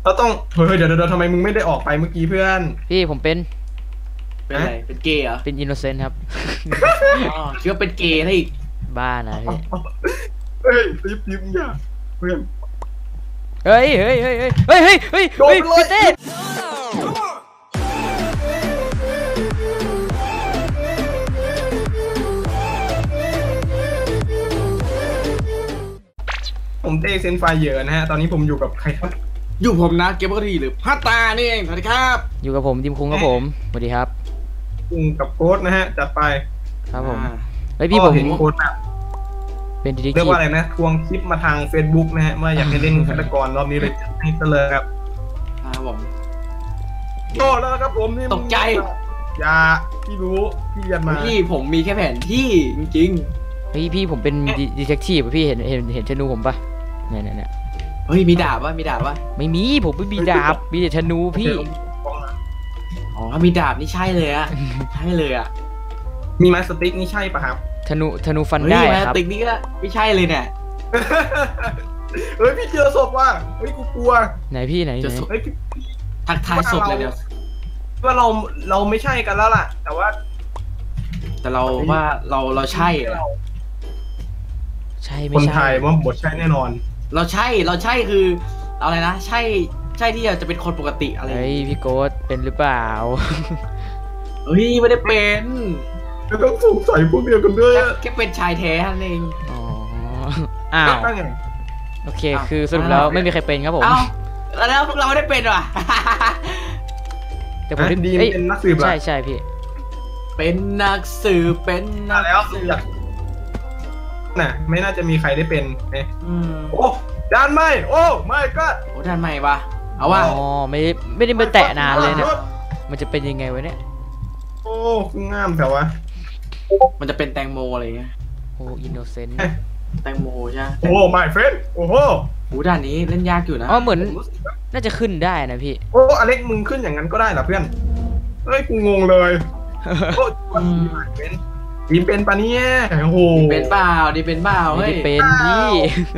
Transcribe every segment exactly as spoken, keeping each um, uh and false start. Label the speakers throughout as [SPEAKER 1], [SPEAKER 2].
[SPEAKER 1] เราต้องเฮ้ยเดี๋ยวเดี๋ยวทำไมมึงไม่ได้ออกไปเมื่อกี้เพื่อน
[SPEAKER 2] พี่ผมเป็น
[SPEAKER 3] เป็นอะไรเป็นเกย์เหรอ
[SPEAKER 2] เป็นอินโนเซนต์ครับ
[SPEAKER 3] อ๋อคิดว่าเป็นเกย์ให้
[SPEAKER 2] บ้านะพี่
[SPEAKER 1] เฮ้ยรีบรีบอย่าเพื่อน
[SPEAKER 2] เฮ้ยเฮ้ยเฮ้ยเฮ้ยเฮ้ยเฮ้ยเฮ้ยเฮ้ยพี่เต้
[SPEAKER 1] ผมเต้เซนไฟเยอะนะฮะตอนนี้ผมอยู่กับใครครับ
[SPEAKER 3] อยู่ผมนะเกมปกติหรือพัตตานี่เองสวัสดีครับ
[SPEAKER 2] อยู่กับผมดิมคุงครับผมสวัสดีครับ
[SPEAKER 1] คุงกับโค้ดนะฮะจัดไป
[SPEAKER 2] ครับผมเฮ้ยพี่ผม
[SPEAKER 1] เห็นโค้ดนะ
[SPEAKER 2] เป็นดี
[SPEAKER 1] เรียกว่าอะไรนะทวงคลิปมาทาง Facebook นะฮะเมื่ออยากให้เล่นฆาตกรรอบนี้เลยให้เสลอครับ
[SPEAKER 3] ครับผม
[SPEAKER 1] โอ้แล้วครับผมนี่
[SPEAKER 3] ตกใจ
[SPEAKER 1] อย่าพี่รู้พี่ยันมา
[SPEAKER 3] พี่ผมมีแค่แผนที่จริง
[SPEAKER 2] ๆพี่พี่ผมเป็นดีเทคทีฟพี่เห็นเห็นเห็นธนูผมปะเนี่ยเนี่ยเนี่ย
[SPEAKER 3] เฮ้ยมีดาบวะมีดาบวะ
[SPEAKER 2] ไม่มีผมไม่มีดาบมีแต่ธนูพี่
[SPEAKER 3] อ๋อถ้ามีดาบนี่ใช่เลยอะใช่เลยอะ
[SPEAKER 1] มีไม้สติ๊กนี่ใช่ปะครับ
[SPEAKER 2] ธนูธนูฟันได้ครับ
[SPEAKER 3] ไม้สติ๊กนี่ก็ไม่ใช่เลยเนี่ย
[SPEAKER 1] เฮ้ยพี่เจอศพว่ะเฮ้ยกูกลัว
[SPEAKER 2] ไหนพี่ไหนไหน
[SPEAKER 3] ทักทายศพเลยเดี๋ยว
[SPEAKER 1] ว่าเราเราไม่ใช่กันแล้วล่ะแต่ว่า
[SPEAKER 3] แต่เราว่าเราเราใช่
[SPEAKER 2] ใช่ไม่
[SPEAKER 1] ใช่คนไทยว่าบทใช่แน่นอน
[SPEAKER 3] เราใช่เราใช่คืออะไรนะใช่ใช่ที่จะเป็นคนปกติอะไร
[SPEAKER 2] เฮ้ยพี่โก๊ตเป็นหรือเปล่า
[SPEAKER 3] เฮ้ยไม่ได้เป็น
[SPEAKER 1] ไม่ต้องสงสัยพวกเดียวกันด้วย
[SPEAKER 3] แค่เป็นชายแท้นั่นเอง
[SPEAKER 2] อ๋ออ้าวโอเคคือสรุปแล้วไม่มีใครเป็นครับผม
[SPEAKER 3] อ้าวแล้วพวกเราไม่ได้เป็นว่ะ
[SPEAKER 2] แต่ผม
[SPEAKER 1] ดีเป็นนักสืบ
[SPEAKER 2] ใช่ใช่พี่
[SPEAKER 3] เป็นนักสืบเป็นนักสืบ
[SPEAKER 1] น่ะไม่น่าจะมีใครได้เป็นเนี่ยโอ้ด้านไม่โอ้ไม่ก็
[SPEAKER 3] โอ้ด้านไม่ปะเอาว่า
[SPEAKER 2] อ๋อไม่ไม่ได้มาแตะนานเลยเนี่ยมันจะเป็นยังไงวะเนี่ย
[SPEAKER 1] โอ้งามแต่ว่า
[SPEAKER 3] มันจะเป็นแตงโมอะไรเงี้ย
[SPEAKER 2] โอ้อินโนเซนต์
[SPEAKER 3] แตงโมใช่
[SPEAKER 1] โอ้ไม่เฟนโอ้โห
[SPEAKER 3] โอ้ด้านนี้เล่นยากอยู่นะ
[SPEAKER 2] อ๋อเหมือนน่าจะขึ้นได้นะพี่
[SPEAKER 1] โอ้อเล็กมึงขึ้นอย่างนั้นก็ได้เหรอเพื่อนเฮ้ยกูงงเลยโอ้เป็นดีเป็นปะเนี่ยโอ้โห
[SPEAKER 3] เป็นเปล่าดีเป็นเปล่า
[SPEAKER 2] เฮ้ยเป็นพี่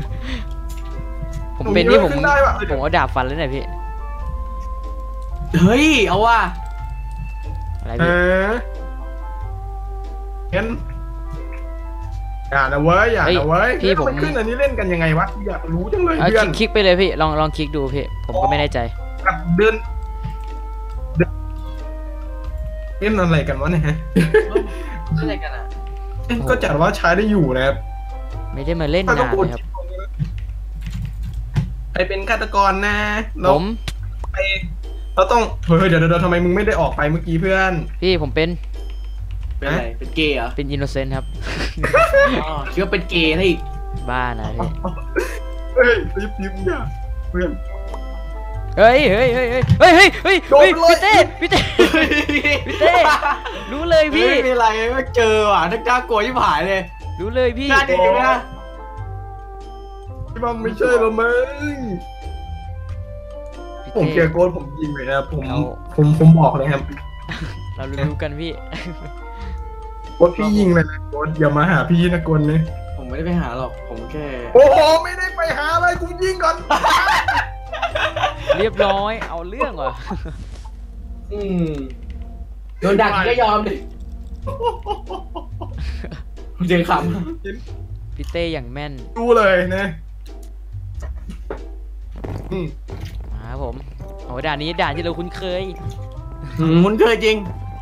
[SPEAKER 2] ผมเป็นนี่ผมผมเอาดาบฟันเลยนะพี่
[SPEAKER 3] เฮ้ยเอาว่ะ
[SPEAKER 2] อะไรพี่
[SPEAKER 1] เห็นอย่านะเว้ยอย่านะเว้ยพี่ผมขึ้นอันนี้เล่นกันยังไงวะอยากรู้จังเลย
[SPEAKER 2] เพื่อนคลิกไปเลยพี่ลองลองคลิกดูพี่ผมก็ไม่แน่ใจ
[SPEAKER 1] เดินเล่นอะไรกันวะเนี่ยฮะ
[SPEAKER 3] อะไรกันอ่ะ
[SPEAKER 1] ก็จัดว่าใช้ได้อยู่นะครับ
[SPEAKER 2] ไม่ได้มาเล่นนานนะครับ
[SPEAKER 1] ใครเป็นฆาตกรนะ
[SPEAKER 2] ผม
[SPEAKER 1] ไปเราต้องเฮ้ยเดี๋ยวเดี๋ยวทำไมมึงไม่ได้ออกไปเมื่อกี้เพื่อน
[SPEAKER 2] พี่ผมเป็น
[SPEAKER 3] เป็นอะไรเป็นเกย์เหรอ
[SPEAKER 2] เป็นอินโนเซนต์ครับ
[SPEAKER 3] อ๋อคิดว่าเป็นเกย์ให้
[SPEAKER 2] บ้านะพี่
[SPEAKER 1] เฮ้ยรีบรีบอย่าเพื่อน
[SPEAKER 2] เฮ้ยเฮ้ยเฮ้ยเฮ้ยเฮ้ยเฮ้ยเฮ้ยพี่เต้พี่เต้พี่เต้รู้เลยพี่
[SPEAKER 3] ไม่มีอะไรไม่เจอว่ะนักกล้ากลัวที่ผายเลย
[SPEAKER 2] รู้เลยพี่
[SPEAKER 3] น่าดีไหมนะ
[SPEAKER 1] ที่มันไม่ใช่หรอมึงผมเกียร์โกนผมยิงเลยนะผมผมผมบอกเลยครับ
[SPEAKER 2] เรารู้กันพี่
[SPEAKER 1] โกนพี่ยิงเลยนะโกนอย่ามาหาพี่นะโกนเลย
[SPEAKER 3] ผมไม่ได้ไปหาหรอกผมแค่
[SPEAKER 1] โอ้โหไม่ได้ไปหาอะไรกูยิงก่อน
[SPEAKER 2] เรียบร้อยเอาเรื่องว่ะ
[SPEAKER 3] อืมโดนดักก็ยอมดิเจงข
[SPEAKER 2] ำพี่เต้อย่างแม่น
[SPEAKER 1] ดูเลยนะ
[SPEAKER 2] มาผมโอ้ด่านนี้ด่านที่เราคุ้นเคย
[SPEAKER 3] คุ้นเคยจริง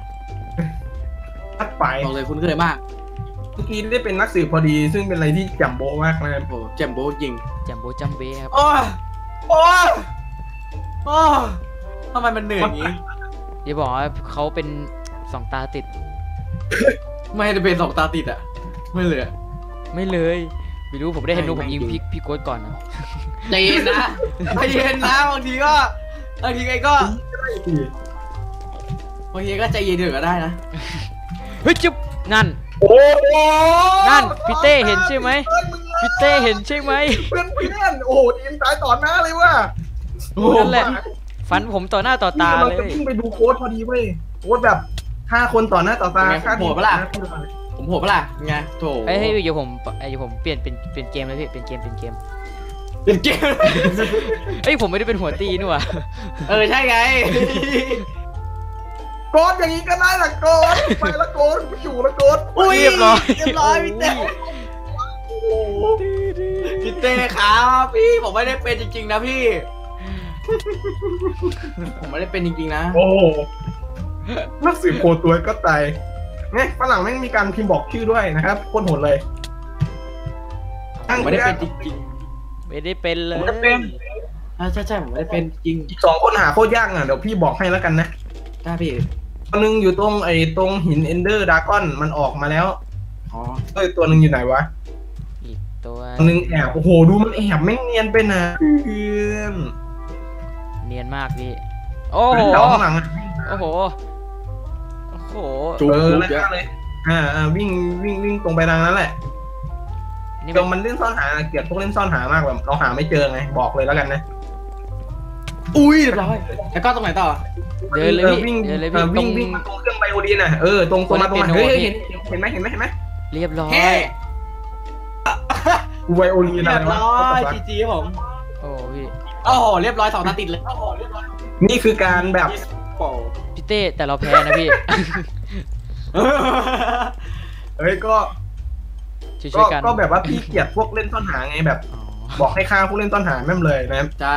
[SPEAKER 1] ทัดไป
[SPEAKER 3] บอกเลยคุ้นเคยมาก
[SPEAKER 1] เมื่อกี้ได้เป็นนักสืบพอดีซึ่งเป็นอะไรที่แจ่มโบ๊ะมากนะครับ
[SPEAKER 3] โอ้แจ่มโบ๊ะจริง
[SPEAKER 2] แจ่มโบ๊ะจัมเบ้ครับ
[SPEAKER 3] โอ้โอ้โอ้ทำไมมันเหนื่อยอย่างนี้
[SPEAKER 2] อย่าบอกว่าเขาเป็นสองตาติด
[SPEAKER 3] ไม่ได้เป็นสองตาติดอ่ะไม่เลย
[SPEAKER 2] ไม่เลยไม่รู้ผมได้เห็นดูผมยิงพี่พี่โค้ดก่อนนะ
[SPEAKER 3] ใจเย็นนะใจเย็นนะบางทีก็บางทีไงก็บางทีก็ใจเย็นเถอะก็ได้นะ
[SPEAKER 2] เฮ้ยจุ๊บนั่น
[SPEAKER 1] โอ้
[SPEAKER 2] นั่นพี่เต้เห็นใช่ไหมพี่เต้เห็นใช่ไหม
[SPEAKER 1] เพื่อนเพื่อนโอ้โหทีมตายต่อหน้าเลยว่ะ
[SPEAKER 2] นั่นแหละฟันผมต่อหน้าต่อตาเลย
[SPEAKER 1] เราจะวิ่งไปดูโค้ดพอดีเว้ยโค้ดแบบห้าคนต่อหน้าต่อตา
[SPEAKER 3] ค่าโหดปะล่ะผมโหดปะล่ะไงโถ
[SPEAKER 2] เฮ้ยเดี๋ยวผมเดี๋ยวผมเปลี่ยนเป็นเป็นเกมเลยพี่เป็นเกมเป็นเกม
[SPEAKER 3] เล่นเกม
[SPEAKER 2] เอ้ยผมไม่ได้เป็นหัวตีนี่หว่า
[SPEAKER 3] เออใช่ไง
[SPEAKER 1] โกดอย่างนี้ก็ได้ละโกดไปละโกดไม่อยู่ละโกด
[SPEAKER 3] อุ้ย
[SPEAKER 2] เรียบร้อย
[SPEAKER 3] เรียบร้อยพี่เต้พี่เต้ครับพี่ผมไม่ได้เป็นจริงๆนะพี่ ผมไม่ได้เป็นจริงๆนะ
[SPEAKER 1] โอ้นักสืบโคตัวก็ตายเนี่ยฝรั่งแม่งมีการพิมพ์บอกชื่อด้วยนะครับโคตรโหดเลย
[SPEAKER 3] ผมไม่ได้เป็นจริง
[SPEAKER 2] ไม่ได้เป็นเล
[SPEAKER 1] ผม
[SPEAKER 2] ย
[SPEAKER 1] จะเป็น
[SPEAKER 3] ๆอ่าใช่ใช่ผมไม่ได้เป็นจริง
[SPEAKER 1] อีกสองคนหาโคตรยากอ่ะเดี๋ยวพี่บอกให้แล้วกันนะ
[SPEAKER 3] ได้พี่
[SPEAKER 1] ตัวหนึ่งอยู่ตรงไอ้ตรงหินเอนเดอร์ดากอนมันออกมาแล้ว
[SPEAKER 3] อ๋อ
[SPEAKER 1] เอ้ยตัวหนึ่งอยู่ไหนวะ
[SPEAKER 2] อีกตัว
[SPEAKER 1] ตัวหนึ่งแอบโอ้โหดูมันแอบแม่งเนียนไปนะเพื่อน
[SPEAKER 2] เนียนมากพี่โอ้โห
[SPEAKER 1] เดี๋ยวข้างหลังอะ
[SPEAKER 2] โอ้โหโอ้โห
[SPEAKER 3] จุก
[SPEAKER 1] เออ
[SPEAKER 3] จุก
[SPEAKER 1] นั่น
[SPEAKER 3] เยอะ
[SPEAKER 1] เลยอ่าอ่าวิ่งวิ่งวิ่งตรงไปทางนั้นแหละ
[SPEAKER 2] นี่
[SPEAKER 1] เดี๋ยวมันเล่นซ่อนหาเกลียดพวกเล่นซ่อนหามากแบบเราหาไม่เจอไงบอกเลยแล้วกันนะ
[SPEAKER 3] อุ้ยเรียบร้อยแล้วก็ตรงไหนต่อ
[SPEAKER 2] เดินเลย
[SPEAKER 1] ออ
[SPEAKER 2] พี่
[SPEAKER 1] วิ่ง
[SPEAKER 2] เดินเลย
[SPEAKER 1] เอ
[SPEAKER 2] พี่
[SPEAKER 1] อ
[SPEAKER 2] ตร
[SPEAKER 1] วิ่ง
[SPEAKER 2] ง
[SPEAKER 1] วิ่งมาตรงเครื่องไบโอดีนน่ะเออตรงตรงมาตรงมา
[SPEAKER 2] คนเล่น
[SPEAKER 1] เฮ้ย
[SPEAKER 2] เปียโน
[SPEAKER 1] เห็นเห็นไหมเห็นไหมเห็นไหม
[SPEAKER 2] เรียบร้อย
[SPEAKER 3] เฮ้
[SPEAKER 1] กูไบโอดีน
[SPEAKER 3] เรี
[SPEAKER 1] อะ
[SPEAKER 3] ย
[SPEAKER 1] ไร
[SPEAKER 3] บ
[SPEAKER 1] วะ
[SPEAKER 3] ร้อยจีจีครับผม
[SPEAKER 2] โอ้พี่
[SPEAKER 3] โอ้โหเรียบร้อยสองนัดติดเลยโอ้โหเรียบร้อย
[SPEAKER 1] นี่คือการแบบ
[SPEAKER 3] โอ้
[SPEAKER 2] พี่เต้แต่เราแพ้นะพี่
[SPEAKER 1] เฮ้ยก็
[SPEAKER 2] ช่วย
[SPEAKER 1] ก็
[SPEAKER 2] ๆกัน
[SPEAKER 1] ก็แบบว่าพี่เกลียดพวกเล่นซ่อนหาไงแบบ
[SPEAKER 2] อ๋อ
[SPEAKER 1] บอกให้ฆ่าพวกเล่นซ่อนหาแม่มเลยนะ
[SPEAKER 3] ใช่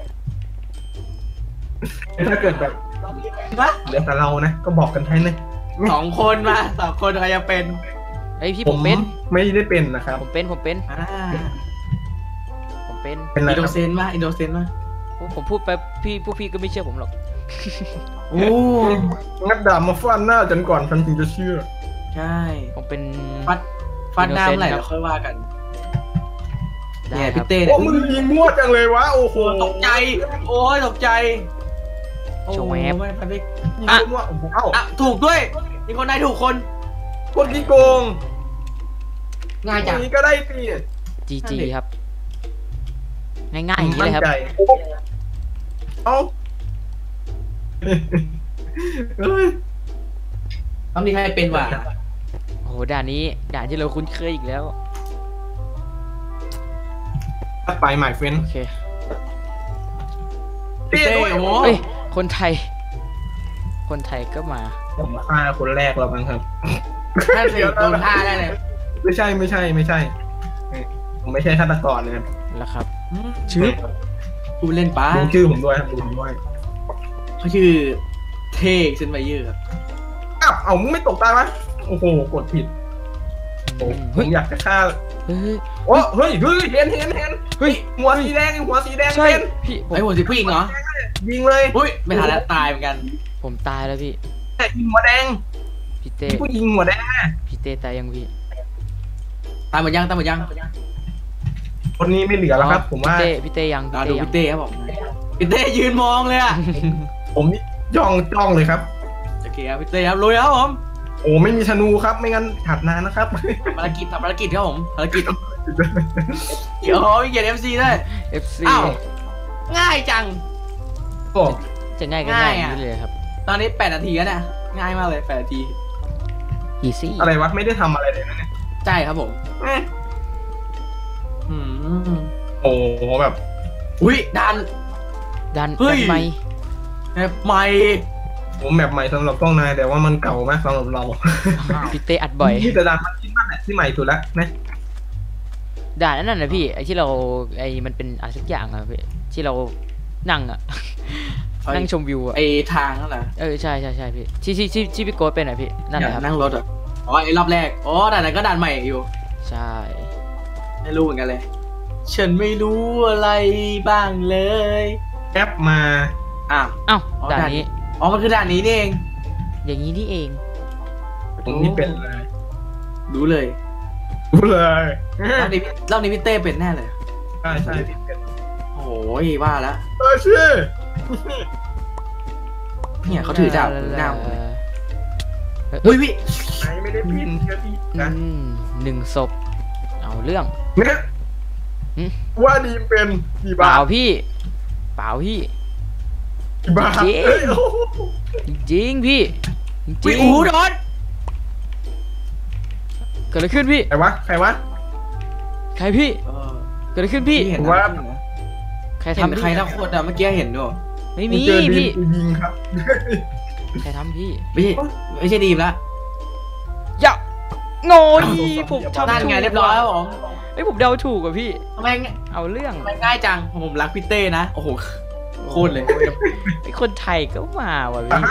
[SPEAKER 1] ถ้าเกิดแบบ
[SPEAKER 3] วะ
[SPEAKER 1] เหลือแต่เรานะก็บอกกันให้นะ
[SPEAKER 3] สองคนมาสองคนใครจะเป็น
[SPEAKER 2] เฮ้ยพี่ผมเป็น
[SPEAKER 1] ไม่ได้เป็นนะครับ
[SPEAKER 2] ผมเป็นผมเป็น
[SPEAKER 3] อ่า
[SPEAKER 2] ผมเป็น
[SPEAKER 1] เป็นอะไร
[SPEAKER 3] อินโด
[SPEAKER 1] ครับ
[SPEAKER 3] เซนมาอินโดเซนมา
[SPEAKER 2] โอ้ผมพูดไปพี่พวกพี่ก็ไม่เชื่อผมหรอก
[SPEAKER 3] โอ้
[SPEAKER 1] งัดดาบมาฟาดหน้าจนก่อนฉันถึงจะเชื่อ
[SPEAKER 3] ใช่
[SPEAKER 2] ผมเป็น
[SPEAKER 3] ฟัดฟัดน้ำไหล
[SPEAKER 2] Innocent ครับ
[SPEAKER 3] แล้วค่อยว่ากัน
[SPEAKER 2] ได้
[SPEAKER 3] เนี่ย
[SPEAKER 2] ครั
[SPEAKER 3] พี่
[SPEAKER 2] บ
[SPEAKER 3] เต้
[SPEAKER 1] โอ้
[SPEAKER 3] เนี่ย
[SPEAKER 1] มึงยิงมั่วจังเลยวะโอ้โห
[SPEAKER 3] ตกใจ โอ้ยตกใจโอ้
[SPEAKER 2] โชว์แวบ
[SPEAKER 3] ไม่พันไป
[SPEAKER 1] ยิง
[SPEAKER 3] อ่ะ
[SPEAKER 1] มั่วโอ้โหเอ้า
[SPEAKER 3] อ่ะถูกด้วยมีคนได้ถูกคน
[SPEAKER 1] คนที่โกง
[SPEAKER 3] ง่ายจัง
[SPEAKER 1] นี้ก็ได้สิ
[SPEAKER 2] จี
[SPEAKER 3] นั่
[SPEAKER 2] จี
[SPEAKER 3] นดิ
[SPEAKER 2] ครับ ง่ายๆอย่างนี้เลยครับ
[SPEAKER 1] มั่นใจเอ้าเฮ้ย
[SPEAKER 3] ต้องมีใครเป็นว่ะ
[SPEAKER 2] โอ้โหด่านนี้ด่านที่เราคุ้นเคยอีกแล้ว
[SPEAKER 1] ไปหมายเฟน
[SPEAKER 2] โอเค
[SPEAKER 3] พี่เต้โอ้โห
[SPEAKER 2] เฮ้ยคนไทย คนไทยก็มา
[SPEAKER 1] ผมฆ่าคนแรกแล้วมั้งครับ
[SPEAKER 3] ถ้าสิโดนท่าได้เลย
[SPEAKER 1] ไม่ใช่ไม่ใช่ไม่ใช่ผมไม่ใช่ฆาตกรนะครับ
[SPEAKER 2] แล้วครับ
[SPEAKER 3] ชื่อกูเล่นป้า
[SPEAKER 1] ดูชื่อผมด้วยครับดูผมด้วย
[SPEAKER 3] เขาชื่อเทกเซนไบเยอร์ครับ
[SPEAKER 1] อ้าวเอามึงไม่ตกตายวะโอ้โหกดผิดโอ้ผ
[SPEAKER 2] เฮ้ย
[SPEAKER 1] มอยากจะฆ่า
[SPEAKER 2] เฮ้ย
[SPEAKER 1] โอ้เฮ้ยเฮ้ยเห็นเห็นเห็น
[SPEAKER 2] เฮ้ย
[SPEAKER 1] หัวสีแดงหัวสีแดง
[SPEAKER 2] ใช่
[SPEAKER 1] เป็น
[SPEAKER 2] พี่ผม
[SPEAKER 3] ไอ้หัวสิผู้หญิงเหรอ
[SPEAKER 1] ยิงเลย
[SPEAKER 3] อุ้ยไม่ทันแล้วตายเหมือนกัน
[SPEAKER 2] ผมตายแล้วพี่
[SPEAKER 1] แต่ยิงหัวแดง
[SPEAKER 2] พี่เต้
[SPEAKER 1] ผู้ยิงหัวแดง
[SPEAKER 2] พี่เต้ตายยังพี่
[SPEAKER 3] ตายหมดยังตายหมดยัง
[SPEAKER 1] คนนี้ไม่เหลือแล้วครับ ผมว่า
[SPEAKER 2] พี่เต้พี่เต้ยัง
[SPEAKER 3] รอ
[SPEAKER 2] พี่
[SPEAKER 3] ดู
[SPEAKER 2] เต้ยัง
[SPEAKER 3] พี่เต้ครับผมพี่เต้ยืนมองเลยอะ
[SPEAKER 1] ผมนี่จ้องจ้องเลยครับ
[SPEAKER 3] โอเคครับพี่เต้ครับลุยครับผม
[SPEAKER 1] โอ้ไม่มีธนูครับไม่งั้นถัดนานนะครับ
[SPEAKER 3] ภารกิจทำภารกิจครับผมภารกิจเดี๋ยวมีเกียรติเอฟซีด้วย
[SPEAKER 2] เอฟซี
[SPEAKER 3] อ้าวง่ายจัง
[SPEAKER 1] โอ้
[SPEAKER 2] จะง่ายก็
[SPEAKER 3] ง่า
[SPEAKER 2] ง่าย ย
[SPEAKER 3] อะ
[SPEAKER 2] อย่างนี้เลยครับ
[SPEAKER 3] ตอนนี้แปดนาทีแล้วเนี่ยง่ายมากเลยแปดนาที
[SPEAKER 2] อีซี่
[SPEAKER 1] อะไรวะไม่ได้ทำอะไรเลยนะเนี่ย
[SPEAKER 3] ใช่ครับผม
[SPEAKER 1] เอ๊ะ
[SPEAKER 3] อืม
[SPEAKER 1] โอ้แบบ
[SPEAKER 3] อุ้ยดัน
[SPEAKER 2] ดัน
[SPEAKER 3] เฮ้
[SPEAKER 2] ดั
[SPEAKER 3] ย
[SPEAKER 2] นไหม
[SPEAKER 3] แบบใหม่
[SPEAKER 1] ผมแบบใหม่สำหรับกล้องนายแต่ว่ามันเก่ามากสำหรับเรา
[SPEAKER 2] พี่เต้อัดบ่อย
[SPEAKER 1] ที่จะดันมันที่มันแหละที่ใหม่สุดแล้วนะ
[SPEAKER 2] ด่านนั้นน่ะพี่ไอที่เราไอมันเป็นอะไรสักอย่างอะพี่ที่เรานั่งอะ นั่งชมวิวอะ
[SPEAKER 3] ไอทางนั่นแหละ
[SPEAKER 2] เออใช่ใช่ใช่พี่ที่ที่ที่ที่พี่โก้เป็นอะพี่นั่นแหละครับ
[SPEAKER 3] นั่งรถอ่ะอ๋อไอรอบแรกอ๋อด่านนั้นก็ด่านใหม่อยู่
[SPEAKER 2] ใช่
[SPEAKER 3] ไม่รู้เหมือนกันเลย ฉันไม่รู้อะไรบ้างเลย
[SPEAKER 1] แอปมา
[SPEAKER 3] อ้าว
[SPEAKER 2] อ้าว
[SPEAKER 3] อ๋อ
[SPEAKER 2] ด่าน
[SPEAKER 3] ด่าน
[SPEAKER 2] นี้
[SPEAKER 3] อ๋อมันคือด่านนี้นี่เอง
[SPEAKER 2] อย่างนี้นี่เอง
[SPEAKER 1] ผมนี่เป็นเลย
[SPEAKER 3] รู้เลย
[SPEAKER 1] รู้เลย
[SPEAKER 3] รอบนี้รอบนี้พี่เต้เป็นแน่เลย
[SPEAKER 1] ใช่ใช่พี่เป็น
[SPEAKER 3] โอ้ยว่าแล้ว
[SPEAKER 1] เออชื่อ
[SPEAKER 3] เนี่ยเขาถือดาบถือดาบ
[SPEAKER 2] เออ
[SPEAKER 3] อุ้ยพี่
[SPEAKER 1] ไหนไม่ได้พินเชื่อพี่
[SPEAKER 2] อื
[SPEAKER 1] นะ
[SPEAKER 2] มหนึ่งศพเอาเรื่อง
[SPEAKER 1] เนี่ย
[SPEAKER 2] หึ
[SPEAKER 1] ว่าดีมเป็นกี่
[SPEAKER 2] เป
[SPEAKER 1] บา
[SPEAKER 2] ล่า
[SPEAKER 1] ท
[SPEAKER 2] พี่เปล่าพี่
[SPEAKER 1] กี่บาท
[SPEAKER 2] จริง
[SPEAKER 1] เอ้ยโอ้โห
[SPEAKER 2] จริงๆพี่จ
[SPEAKER 3] อุ้
[SPEAKER 2] ริ
[SPEAKER 3] ย
[SPEAKER 2] ง
[SPEAKER 3] โอ้โหโดน
[SPEAKER 2] เกิดอะไรขึ้นพี่
[SPEAKER 1] ใครวะใครวะ
[SPEAKER 2] ใครพี่
[SPEAKER 3] เออ
[SPEAKER 2] เกิดอะไรขึ้นพี่
[SPEAKER 3] พี่เห็น
[SPEAKER 1] ว่า
[SPEAKER 3] นะ
[SPEAKER 2] ใคร
[SPEAKER 3] เห็น
[SPEAKER 2] ทำ
[SPEAKER 3] ใครทั้งคนอะเมื่อกี้เห็นด้วย
[SPEAKER 2] ไม่
[SPEAKER 1] กู
[SPEAKER 2] มี
[SPEAKER 1] เจอดี
[SPEAKER 2] พี่
[SPEAKER 1] มกูยิงครับ
[SPEAKER 2] ใครทำพี่
[SPEAKER 3] ไม่ใช่ไม่ใช่ดีมละ
[SPEAKER 2] อย่าโง่ยผมทำ
[SPEAKER 3] นั่น
[SPEAKER 2] ถูก
[SPEAKER 3] ไงเรียบร้อยแล้วผม
[SPEAKER 2] ไอ้ยผมเดาถูกอะพี่
[SPEAKER 3] ทำไม
[SPEAKER 2] เอาเรื่อง
[SPEAKER 3] ทำไมง่ายจังผมรักพี่เต้นะโอ้โหโคตรเลย
[SPEAKER 2] ไอ้คนไทยก็มาว่ะพี่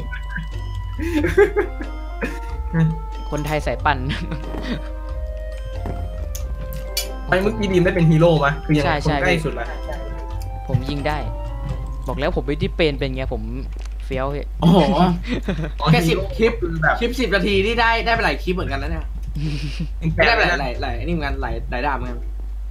[SPEAKER 2] คนไทยสายปั่น
[SPEAKER 1] ไอ้เมื่อกี้ดีมได้เป็นฮีโร่ไหมคือยังไง
[SPEAKER 2] ใช่
[SPEAKER 1] คน
[SPEAKER 2] ใช่
[SPEAKER 1] ใกล้สุดละ
[SPEAKER 2] ผมยิงได้ บอกแล้วผมไม่ได้เป็นเป็นไงผมเฟี้ยวพี่
[SPEAKER 3] โอ้โห
[SPEAKER 1] อ๋อ
[SPEAKER 3] แค่สิบ
[SPEAKER 1] ฮีโร่
[SPEAKER 3] คลิป
[SPEAKER 1] คือแบบ
[SPEAKER 3] คลิปสิบนาทีนี่ได้ได้ไปหลายคลิปเหมือนกันนะเนี่ยไม่ได้ไปหลายหลายหลายนี่เหมือนกันหลายหลายดาบเหมือนกัน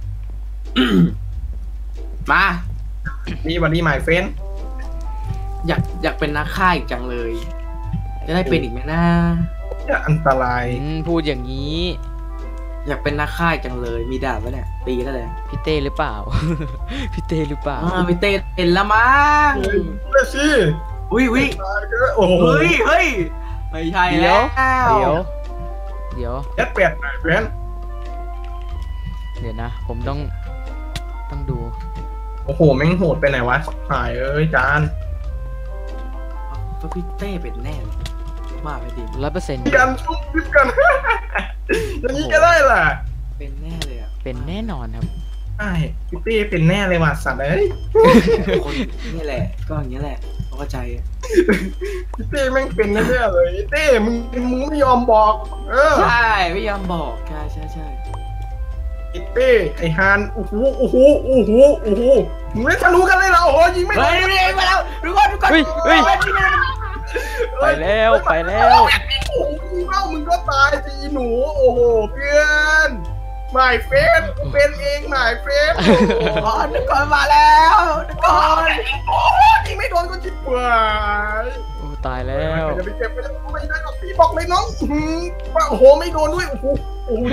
[SPEAKER 3] มา
[SPEAKER 1] นี่วันนี้หมายเฟน
[SPEAKER 3] อยากอยากเป็นนักฆ่าอีกจังเลย จะได้เป็นอีกไหมนะ
[SPEAKER 1] เนี่ยอันตราย
[SPEAKER 2] อืมพูดอย่างนี้
[SPEAKER 3] อยากเป็นนักฆ่าอีกจังเลย มีดาบปะเนี่ยตีแล้วเลย
[SPEAKER 2] พี่เต้หรือเปล่า พี่เต้หรือเปล่า
[SPEAKER 3] อ่ามีเต้เป็นละมั้ง
[SPEAKER 1] เฮ้ยสิ
[SPEAKER 3] อุ้ยอุ้ย
[SPEAKER 1] โอ้โห
[SPEAKER 3] เฮ้ยเฮ้ยไม่ใช่
[SPEAKER 2] เดี๋
[SPEAKER 3] แล้
[SPEAKER 2] ยว ว เดี๋ยว เดี๋ยว
[SPEAKER 1] แอดแปดหมายเฟน
[SPEAKER 2] เดี๋ยวนะ ผมต้อง ต้องดู
[SPEAKER 1] โอ้โหแม่งโหดไปไหนวะหายเอ้ยจาน
[SPEAKER 3] ก็พี่เต้เป็นแน่เลยว่าไปดิ
[SPEAKER 2] ร้อยเปอร์เซ็นต์
[SPEAKER 1] มีการชุบชิปกัน อย่างนี้ก็ได้ล่ะ
[SPEAKER 3] เป็นแน่เลยอ่ะ
[SPEAKER 2] เป็นแน่นอนครับ
[SPEAKER 1] ใช่พี่เต้เป็นแน่เลยว่ะสัตว์เอ้ย
[SPEAKER 3] คนนี่แหละ ก็อย่างนี้แหละเข้าใจอะ
[SPEAKER 1] พี่เต้แม่งเป็นแน่ๆเลยเต้มึงมึงไม่ยอมบอก เออ
[SPEAKER 3] ใช่ไม่ยอมบอกใช่ใช่ใช่
[SPEAKER 1] พี่เต้ไอฮานโอ้โหโอ้โหโอ้โหโอ้โหมึงไม่ทะลุกันเลยเหรอโอ้โหยิงไม่
[SPEAKER 3] เฮ้ยนี่มาแล้วดูก่อนดูก่อน
[SPEAKER 2] เฮ้ยเฮ้ย ไปแล้วไปแล้ว
[SPEAKER 1] โอ้โหยิงเล่ามึงก็ตายสิอีหนูโอ้โหเพื่อนหมายเฟนเป็นเองหมายเฟนโอ้โห
[SPEAKER 3] ก่อนดูก่อนมาแล้วดูก่อน
[SPEAKER 1] โอ้โหยิงไม่โดนก็จิบเปื่อย
[SPEAKER 2] โอ้ตายแล้ว
[SPEAKER 1] จะไปเก็บไปแล้วไม่ได้หรอกพี่บอกเลยน้องอื้อหือว่าโอ้โหไม่โดนด้วยโอ้โหโอ้โห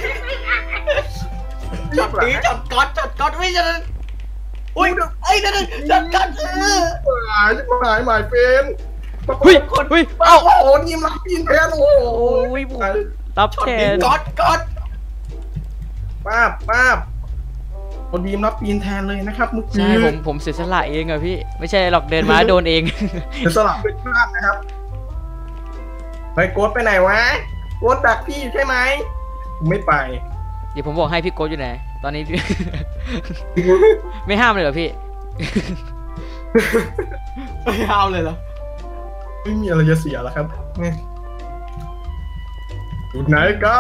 [SPEAKER 3] จับตีจับก๊อตจับก๊อตไม่จะอุ้ยไอ้นั่นจับก๊อตเออ
[SPEAKER 1] หายหายหมายเฟน
[SPEAKER 2] เฮ้ยเฮ้ย
[SPEAKER 1] เอ้าโอ้โหนี่มันปีนแทนโอ้โห
[SPEAKER 2] โอ้ยผมรับ
[SPEAKER 3] ช็อต
[SPEAKER 2] แท
[SPEAKER 3] นี้
[SPEAKER 2] น
[SPEAKER 3] ก๊อตก๊อต
[SPEAKER 1] ป้าบป้าบคนดีมรับปีนแทนเลยนะครับเมื่อกี้
[SPEAKER 2] ใช่ผมผมเสียสละเองอะพี่ ไม่ใช่หรอกเดินมาโดนเอง
[SPEAKER 1] จะสลับเป็นพลาดนะครับไปโกดไปไหนวะโกดดักพี่ใช่ไหมไม่ไป
[SPEAKER 2] เดี๋ยวผมบอกให้พี่โก้อยู่ไหน ตอนนี้พี่ ไม่ห้ามเลยเหรอพี่
[SPEAKER 3] ไม่เอาเลยเหรอ
[SPEAKER 1] ไม่มีอะไรจะเสียแล้วครับนี่อยู่ไหนกัน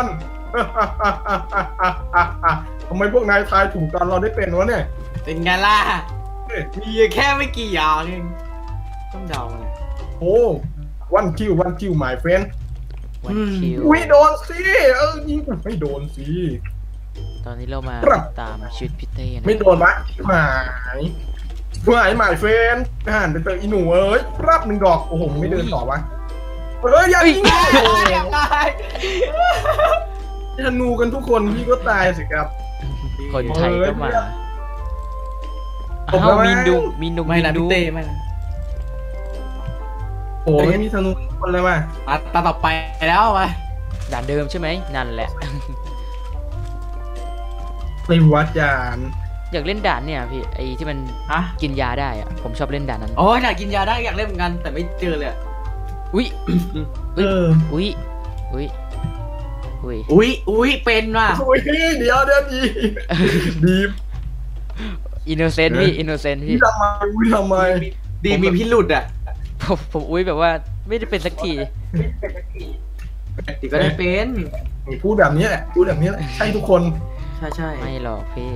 [SPEAKER 1] ทำไมพวกนายทายถูกตอนเราได้เป็นวะเนี่ย
[SPEAKER 3] เป็นไงล่ะ
[SPEAKER 1] เฮ้ย
[SPEAKER 3] มีแค่ไม่กี่อย่างเองต้องเดาเลย
[SPEAKER 1] โอ้วันคิววันคิวหมายเฟน
[SPEAKER 2] วันคิว
[SPEAKER 1] อุ้ยโดนสิเออยิงไม่โดนสิ
[SPEAKER 2] ตอนนี้เรามา
[SPEAKER 1] ครับ
[SPEAKER 2] ตามชุดพี่เต้นะ
[SPEAKER 1] ไม่โดนวะหายหายหมายเฟนหันไปเจออีหนูเอ้ยรับหนึ่งดอกโอ้โหไม่เดินต่อวะเอ้ยอย่ายิงธนูกันทุกคนพี่ก็ตายสิครับ
[SPEAKER 2] คนไทยก็มา
[SPEAKER 1] ผม
[SPEAKER 2] อ้าว
[SPEAKER 1] แล้ว
[SPEAKER 2] มีนดูมีนดู
[SPEAKER 3] ไม่นะ
[SPEAKER 2] ดู
[SPEAKER 3] พี่เต้ไม่นะ
[SPEAKER 1] โอ้ยมีธนูทุกคนเลยว่ะ
[SPEAKER 3] อ่ะตาต่อไปแล้วไป
[SPEAKER 2] ด่านเดิมใช่ไหมนั่นแหละ
[SPEAKER 1] ในวัดยาน
[SPEAKER 2] อยากเล่นด่านเนี่ยพี่ไอที่มัน
[SPEAKER 3] ฮะ
[SPEAKER 2] กินยาได้อะผมชอบเล่นด่านนั้น
[SPEAKER 3] โอ้ยอยากกินยาได้อยากเล่นเหมือนกันแต่ไม่เจอเลยอะ
[SPEAKER 2] อุ้ย
[SPEAKER 1] เออ
[SPEAKER 2] อุ้ยอุ้ยอุ้ย
[SPEAKER 3] อุ้ยอุ้ยเป็นว่ะ
[SPEAKER 1] โอ้ยเดี๋ยวเดี๋ยวดีดี
[SPEAKER 2] อินโนเซนต์พี่อินโนเซนต์
[SPEAKER 1] พี่
[SPEAKER 2] พี่
[SPEAKER 1] ทำไมพี่ทำไม
[SPEAKER 3] ดีมีพิรุษอ่ะ
[SPEAKER 2] ผมผมอุ้ยแบบว่าไม่ได้เป็นสักที
[SPEAKER 3] ดีก็ได้เป็น
[SPEAKER 1] พูดแบบนี้แหละพูดแบบนี้แหละใช่ทุกคน
[SPEAKER 3] ใช่ใช่
[SPEAKER 2] ไม่หรอกพี่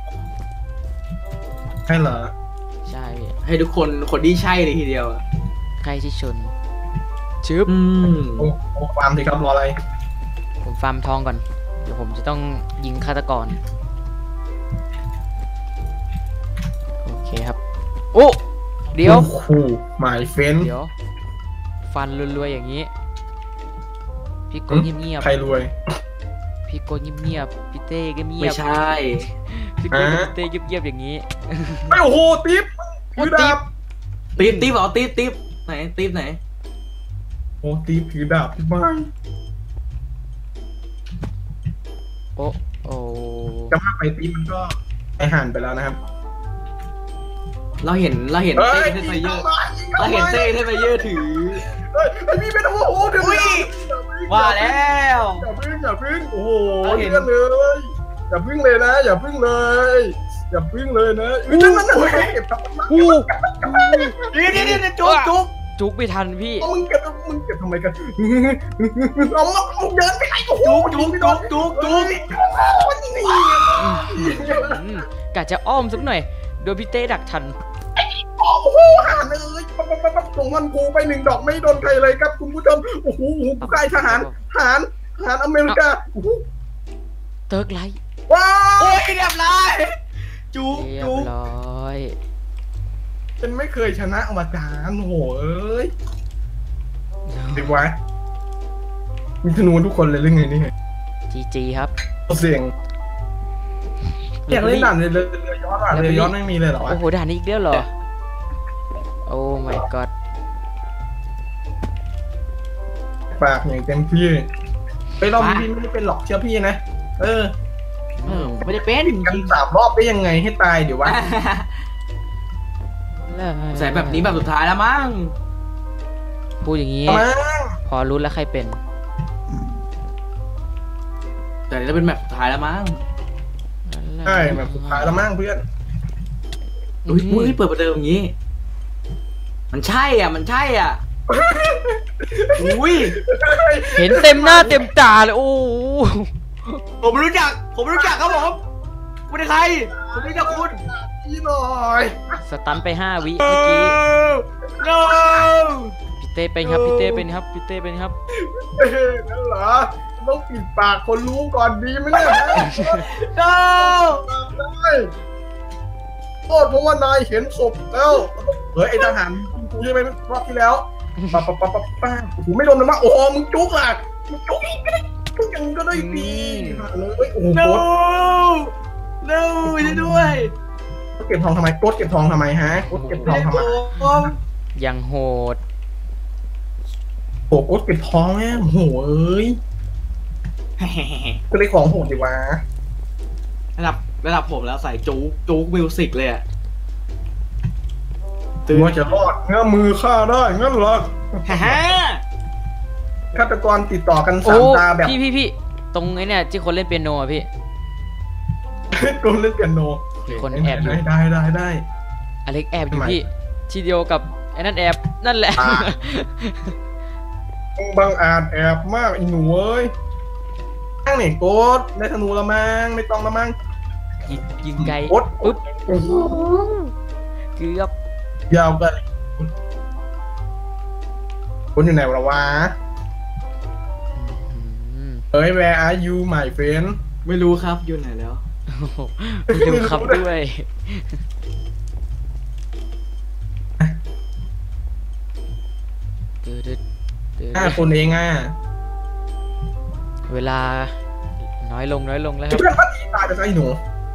[SPEAKER 1] ใช่เหรอ
[SPEAKER 2] ใช่พี่
[SPEAKER 3] ให้ทุกคนคนที่ใช่เลยทีเดียวอะ
[SPEAKER 2] ใครที่ชนชึบ
[SPEAKER 3] อืม
[SPEAKER 1] โอ้โอ้ความสิครับรออะไร
[SPEAKER 2] ผมฟาร์มทองก่อน เดี๋ยวผมจะต้องยิงฆาตกร โอเคครับ โอ้เดี๋ยว
[SPEAKER 1] โอ้โหหมายเฟน
[SPEAKER 2] เดี๋ยว ฟันรวยๆอย่างนี้ พี่โกเงียบ
[SPEAKER 1] ใครรวย
[SPEAKER 2] ๆพี่โกเงียบๆพี่เต้ก็เงีย
[SPEAKER 3] ไม่
[SPEAKER 2] บ
[SPEAKER 3] ใช่
[SPEAKER 2] พี่โกกับพี่เต้เงียบๆอย่างนี้
[SPEAKER 1] ไอ้โอ้โหติ๊บ
[SPEAKER 2] โอ้
[SPEAKER 1] ถือ
[SPEAKER 2] ติ๊
[SPEAKER 1] ดา
[SPEAKER 2] บ
[SPEAKER 1] บ
[SPEAKER 3] ตีบตีบเหรอตีบตีบไหนตีบไหน
[SPEAKER 1] โอ้ติ๊บถือดาบที่บ้าน
[SPEAKER 2] โอ้โอ้
[SPEAKER 1] จะพาไปติ๊บมันก็ไปหันไปแล้วนะครับ
[SPEAKER 3] เราเห็นเราเห็น
[SPEAKER 1] เฮ้
[SPEAKER 3] เต้
[SPEAKER 1] ย
[SPEAKER 3] เทสไฟเยอร์
[SPEAKER 1] ยิง
[SPEAKER 3] เรา
[SPEAKER 1] ทำไม
[SPEAKER 3] เห็นเต้เทสไฟเยอร์ถือ
[SPEAKER 1] เฮ้ยไอพี่เป็นโอ้โหเดี๋ยว
[SPEAKER 3] อุ้ยว่าแล้ว
[SPEAKER 1] อย่าพึ่งอย่าพึ่งโอ้โห
[SPEAKER 3] เราเห็น
[SPEAKER 1] เลื่อนเลยอย่าพึ่งเลยนะ อย่าพึ่งเลยอย่าพึ่งเลยนะอุ้ยนั่นนั่นนั่นเก็บทำไม
[SPEAKER 2] อู้
[SPEAKER 3] นี่นี่นี่จุ๊บจุ๊บ
[SPEAKER 2] จุกไม่ทันพี่
[SPEAKER 1] เอามึงเก็บมึงเก็บทำไมกันเอามามึงเดินไปไหนโอ้โห
[SPEAKER 3] จุ๊บจุ๊บจุ๊บจุ๊บจุ๊บ
[SPEAKER 1] นี่
[SPEAKER 2] อืมกะจะอ้อมสักหน่อยโดนพี่เต้ดักทัน
[SPEAKER 1] โอ้โหหานเลยปั๊บปั๊บปั๊บปั๊บส่งมันกูไปหนึ่งดอกไม่โดนใครเลยครับคุณผู้ชมโอ้โหกูใกล้ทหารทหารทหารอเมริกาโอ้โห
[SPEAKER 2] เติร์กไลท์
[SPEAKER 1] ว้า
[SPEAKER 3] โอ้
[SPEAKER 1] วย
[SPEAKER 3] เรียบร้อยจุ๊บ
[SPEAKER 2] เรียบ
[SPEAKER 3] จุ๊บ
[SPEAKER 2] ร้อย
[SPEAKER 1] เป็นไม่เคยชนะมาจานโหเอ้ยดีวะมีธนูทุกคนเลยหรือไงนี่
[SPEAKER 2] จีจีครับ
[SPEAKER 1] เสียงอยากเล่นด่านเลยเรือย้อนอ่ะเรือย้อนไม่มีเลยเหรอวะ
[SPEAKER 2] โอ้โหด่านนี้อีกแล้วเหรอ โอ้ my god
[SPEAKER 1] ปากอย่างเต็มที่ไปรอบนี้พี่ไม่ได้เป็นหรอกเชื่อพี่นะเออ
[SPEAKER 3] เออไม่ได้เป็น
[SPEAKER 1] กันสามรอบได้ยังไงให้ตายเดี๋ยววะ
[SPEAKER 3] ใส่แบบนี้แบบสุดท้ายแล้วมั้ง
[SPEAKER 2] พูดอย่างนี้
[SPEAKER 1] มา
[SPEAKER 2] พอรู้แล้วใครเป็น
[SPEAKER 3] แต่จะเป็นแบบสุดท้ายแล้วมั้ง
[SPEAKER 1] ใช่แบบสุดท้ายแล้วมั่งเพื่อน
[SPEAKER 3] อุ้ยอุ้ยเปิดประเดิมอย่างนี้ มันใช่อ่ะมันใช่อ่ะอุ้ย
[SPEAKER 2] เห็นเต็มหน้าเต็มตาเลย โอ้โห
[SPEAKER 3] ผมรู้จัก ผมรู้จักครับผมคุณเป็นใครผมรู้จักคุณ
[SPEAKER 1] พี่หน่อย
[SPEAKER 2] สตันไปห้าวิเมื่อกี้
[SPEAKER 3] no
[SPEAKER 2] พี่เต้เป็นครับพี่เต้เป็นครับพี่เต้เป็นครับ
[SPEAKER 1] เอ้ยนั่นเหรอต้องปิดปากคนรู้ก่อนดีไหมเนี่ย
[SPEAKER 3] no
[SPEAKER 1] ได้โทษเพราะว่านายเห็นศพแล้วเฮ้ยไอทหารกูใช่ไหมรอบที่แล้วปะปะปะปะป้าโอ้โหไม่โดนนะมาโอ้โหมึงจุกอ่ะมึงจุกอีกก็ได้จุกยังก็ได้ดีเลยโอ้โห
[SPEAKER 3] no
[SPEAKER 1] โค้ด
[SPEAKER 3] no ช่วยด้วย
[SPEAKER 1] เก็บทองทำไมโค้ดเก็บทองทำไมฮะโค้ดเก็บทองทำไม
[SPEAKER 3] ผม
[SPEAKER 2] ยังโหด
[SPEAKER 1] โอ้โค้ดเก็บทองแม่โอ้โหเอ้ยก็เลยของโหดดีวะ
[SPEAKER 3] ระดับระดับผมแล้วใส่จู๊กจู๊กมิวสิกเลยอ่ะ
[SPEAKER 1] ถือว่าจะรอดเงื้อมือฆ่าได้งั้นเหรอ
[SPEAKER 3] ฮ่าฮ่า
[SPEAKER 1] ฆาตกรติดต่อกัน
[SPEAKER 2] โอ้
[SPEAKER 1] สามตาแบบ
[SPEAKER 2] พี่พี่พี่ตรงไอ้เนี่ยที่คนเล่นเปียโนอะพี่
[SPEAKER 1] โดนเล่นเปียโน
[SPEAKER 2] มีคนแอบอยู่
[SPEAKER 1] ได้ได้ได้ได้
[SPEAKER 2] อเล็กแอบอยู่
[SPEAKER 1] ทำไม
[SPEAKER 2] พี่ทีเดียวกับไอ้นั่นแอบนั่นแหละ
[SPEAKER 1] อ่า บางอาจแอบมากอีหนูเอ้ยตั้งไหนโกดได้ธนูละมั้งไม่ต้องละมั้ง
[SPEAKER 2] ยิงยิงไกล
[SPEAKER 1] โกด
[SPEAKER 2] ปุ๊บ
[SPEAKER 1] โอ้โห
[SPEAKER 2] เกือบ
[SPEAKER 1] ยาวกันคนอยู่ไหนวะวะ
[SPEAKER 2] อืม
[SPEAKER 1] เฮ้ย where are you my friend
[SPEAKER 3] ไม่รู้ครับอยู่ไหนแล้ว
[SPEAKER 2] โอ้โหไม่รู้ครับด้วยตึ๊ดตึ๊ดตึ๊ด
[SPEAKER 1] ห้าคนเองอ่ะ
[SPEAKER 2] เวลาน้อยลงน้อยลงแล้วครับ
[SPEAKER 1] เพื่อนพัดตายไปซะไอ้หนู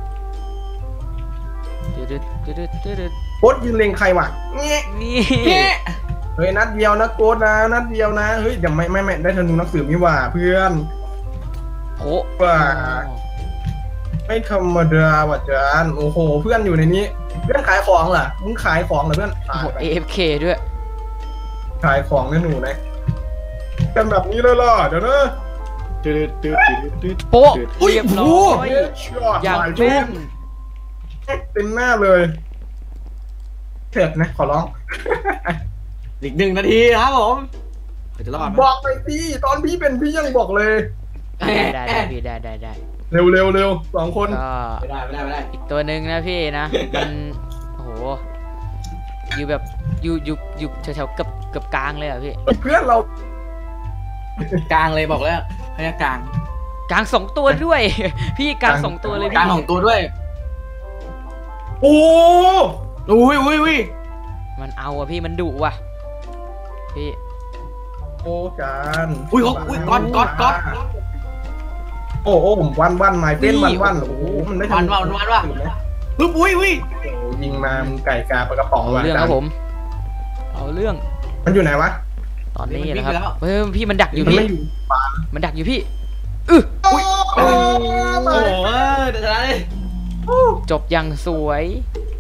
[SPEAKER 2] ตึ๊ดตึ๊ดตึ๊ดตึ๊ดตึ๊ด
[SPEAKER 1] โกดยืนเล็งใครวะเงี้ย
[SPEAKER 2] นี่
[SPEAKER 1] เฮ้ยนัดเดียวนะโกดนะนัดเดียวนะเฮ้ยเดี๋ยวไม่ไม่ไม่ได้ธนูนักสืบนี่หว่าเพื่อน
[SPEAKER 2] โผ
[SPEAKER 1] ว่า ไม่ธรรมดาว่ะจานโอ้โหเพื่อนอยู่ในนี้ เพื่อนขายของเหรอมึงขายของเหรอเพื่อน
[SPEAKER 2] โอ้
[SPEAKER 1] ขาย
[SPEAKER 2] โห
[SPEAKER 1] ไป
[SPEAKER 2] เอฟเคด้วย
[SPEAKER 1] ขายของนะหนูนะกันแบบนี้เลยล่ะเดี๋ยวนะ
[SPEAKER 3] ตืดตืดตืดตืด
[SPEAKER 2] โป๊ะ
[SPEAKER 3] อุ๊ย
[SPEAKER 2] เรียบร้อย
[SPEAKER 1] ช็อต
[SPEAKER 2] อย่าง
[SPEAKER 1] หลาย
[SPEAKER 2] แม่น
[SPEAKER 1] เต็มหน้าเลยเถิดนะขอร้อง
[SPEAKER 3] อีกหนึ่งนาทีครับผมจะรอดไหม
[SPEAKER 1] บอกไปพี่ตอนพี่เป็นพี่ยังบอกเลย
[SPEAKER 2] ได้ได้ได้พี่ได้ได้ได้
[SPEAKER 1] เร็วเร็วเร็วสองคน
[SPEAKER 2] ก็
[SPEAKER 3] ไม่ได้ไม่ได้ไม่ได้
[SPEAKER 2] อีกตัวหนึ่งนะพี่นะ มันโอ้โหอยู่แบบอยู่อยู่อยู่แถวๆเกือบเกือบกลางเลยอ่ะพี่
[SPEAKER 1] เพื่อนเรา
[SPEAKER 3] กลางเลยบอกแล้วพยากลาง
[SPEAKER 2] กลางสองตัวด้วย พี่กลางสองตัวเลย
[SPEAKER 3] ก
[SPEAKER 2] พี่
[SPEAKER 3] ลางของตัวด้วย
[SPEAKER 1] โอ้
[SPEAKER 3] อุ้ยอุ้ยอุ้ย
[SPEAKER 2] มันเอาอ่ะพี่มันดุว่ะพี่
[SPEAKER 1] โอ้จาน
[SPEAKER 3] อุ้ยเขาอุ้ยก๊อตก๊อตก๊อต
[SPEAKER 1] โอ้โอ้ผมวันวันไม้เต้นวันวันโอ้โหมันได้
[SPEAKER 3] วันวันวันว่ะปุ๊บอุ้ยอุ้ย
[SPEAKER 1] โอ้ยิงมามึงไก่กาปลากระป๋อง
[SPEAKER 2] เอา
[SPEAKER 1] ว่ะ
[SPEAKER 2] เรื่องค
[SPEAKER 1] จา
[SPEAKER 2] รั
[SPEAKER 1] น
[SPEAKER 2] บผม เอาเรื่อง
[SPEAKER 1] มันอยู่ไหนวะ
[SPEAKER 2] ตอนนี้นะครับเฮ้ยพี่มันดักอยู่
[SPEAKER 1] มัน
[SPEAKER 2] พี่
[SPEAKER 1] ไม่อยู่ป่า
[SPEAKER 2] มันดักอยู่พี่อื้อ
[SPEAKER 1] อุ้ย
[SPEAKER 3] โอ้โหเดี๋ยวจะได้
[SPEAKER 2] จบอย่างสวย
[SPEAKER 3] ช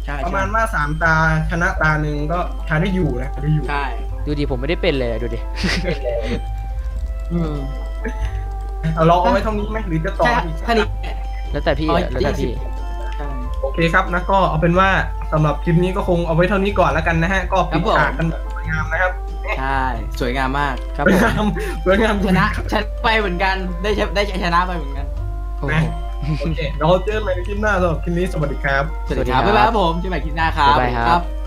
[SPEAKER 3] ใช่
[SPEAKER 1] ประมาณว่าสามตาชนะตาหนึ่งก็ทายได้อยู่นะได้อยู่
[SPEAKER 3] ใช่
[SPEAKER 2] ดูดิผมไม่ได้เป็นเลยดูดิ
[SPEAKER 3] อืม
[SPEAKER 1] เอาลองเอาไว้เท่านี้ไหมหรือจะต่อ
[SPEAKER 3] ใช่
[SPEAKER 1] อีก
[SPEAKER 3] แค่นี้
[SPEAKER 2] แล้วแต่พี่
[SPEAKER 3] อ๋อ
[SPEAKER 2] อะแล้วแต่พี่
[SPEAKER 3] ใช่
[SPEAKER 1] โอเคครับนะก็เอาเป็นว่าสำหรับคลิปนี้ก็คงเอาไว้เท่านี้ก่อนแล้วกันนะฮะก็ปิดฉากกันแบบสวยงามนะครับ
[SPEAKER 3] ใช่สวยงามมาก
[SPEAKER 2] ครับ
[SPEAKER 1] สวย
[SPEAKER 2] ผม
[SPEAKER 1] งามสวยงาม
[SPEAKER 3] ชนะชนะไปเหมือนกันได้ชได้ชนะไปเหมือนกัน
[SPEAKER 2] โอ้โห
[SPEAKER 1] โอเคเราเจอกันใหม่ในคลิปหน้าสำหรับคลิปนี้สวัสดีครับ
[SPEAKER 3] สวัสดีครับบ๊ายบายครับผมเจอกันใหม่คลิปหน้าครับ
[SPEAKER 2] บ๊ายบายครับ
[SPEAKER 3] ครับ